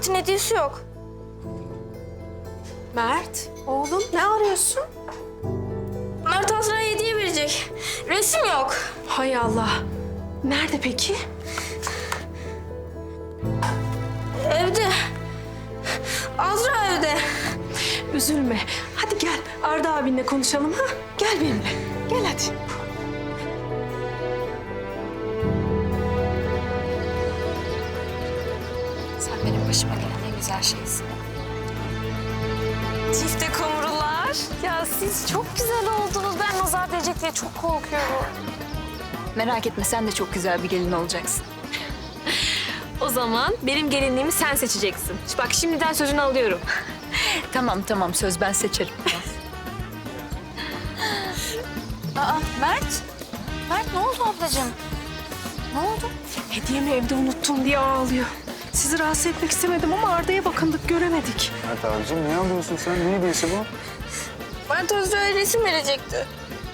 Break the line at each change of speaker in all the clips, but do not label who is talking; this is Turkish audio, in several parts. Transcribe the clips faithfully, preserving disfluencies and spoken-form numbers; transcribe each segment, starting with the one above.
Mert'in hediyesi yok.
Mert, oğlum ne arıyorsun?
Mert Azra'ya hediye verecek. Resim yok.
Hay Allah. Nerede peki?
Evde. Azra evde.
Üzülme. Hadi gel Arda abinle konuşalım ha. Gel benimle. Gel hadi.
Sen benim başıma gelen en güzel şeysin.
Çifte kumrular. Ya siz çok güzel oldunuz. Ben nazar değecek diye çok korkuyorum.
Merak etme, sen de çok güzel bir gelin olacaksın.
O zaman benim gelinliğimi sen seçeceksin. Bak şimdiden sözünü alıyorum.
Tamam tamam, söz ben seçerim. Aa Mert. Mert ne oldu ablacığım? Ne oldu?
Hediyemi evde unuttum diye ağlıyor. Sizi rahatsız etmek istemedim ama Arda'ya bakındık, göremedik.
Mert abicim ne yapıyorsun sen? Ne hediyesi bu?
Mert Azra'ya resim verecekti.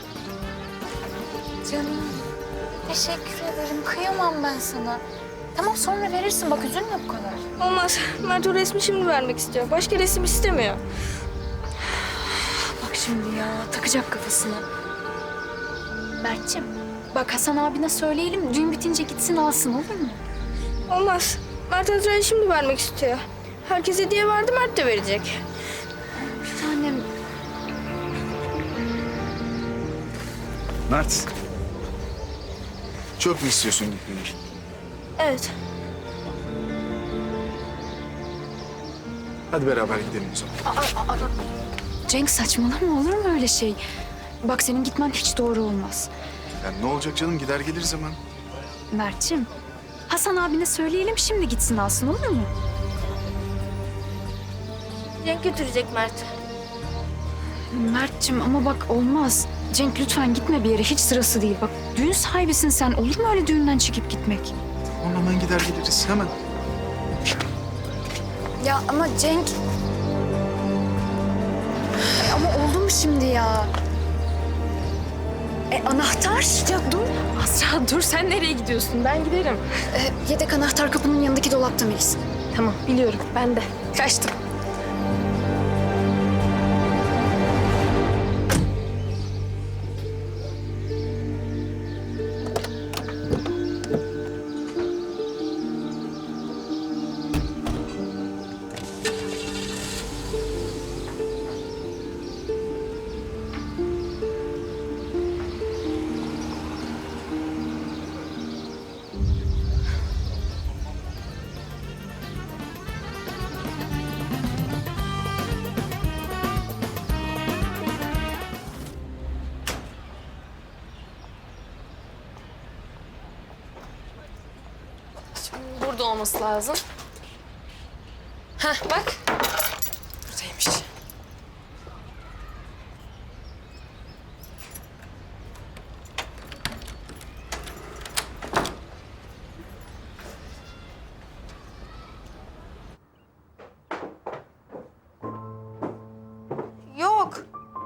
Canım, teşekkür ederim. Kıyamam ben sana. Tamam, sonra verirsin. Bak üzülme bu kadar.
Olmaz. Mert o resmi şimdi vermek istiyor. Başka resim istemiyor.
Bak şimdi ya, takacak kafasına. Mert'ciğim, bak Hasan abine söyleyelim. Düğün bitince gitsin alsın, olur mu?
Olmaz. Mert Azra'ya şimdi vermek istiyor. Herkes hediye verdi, Mert de verecek.
Bir tanem.
Mert. Çok mu istiyorsun gitmeyi?
Evet.
Hadi beraber gidelim o zaman.
Aa, aa, aa. Cenk saçmalama, olur mu öyle şey? Bak senin gitmen hiç doğru olmaz.
Yani ne olacak canım? Gider geliriz hemen.
Mert'ciğim, Hasan abine söyleyelim şimdi gitsin alsın, olur mu?
Cenk götürecek Mert.
Mert'ciğim ama bak olmaz. Cenk lütfen gitme bir yere, hiç sırası değil. Bak düğün sahibisin sen, olur mu öyle düğünden çıkıp gitmek?
Tamam hemen gider geliriz hemen.
Ya ama Cenk... Ay, ama oldu mu şimdi ya? E anahtar?
Ya dur. Azra dur, sen nereye gidiyorsun? Ben giderim.
E, yedek anahtar kapının yanındaki dolapta Melis.
Tamam biliyorum, ben de. Kaçtım. Burada olması lazım. Heh bak. Buradaymış.
Yok.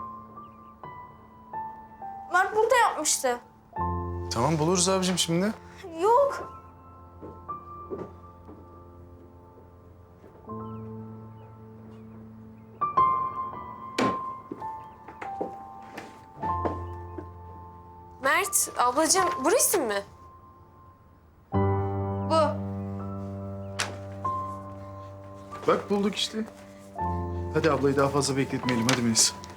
Mert burada yapmıştı.
Tamam buluruz abicim şimdi.
Yok.
Mert, ablacığım bu resim mi?
Bu.
Bak bulduk işte. Hadi ablayı daha fazla bekletmeyelim. Hadi Melis.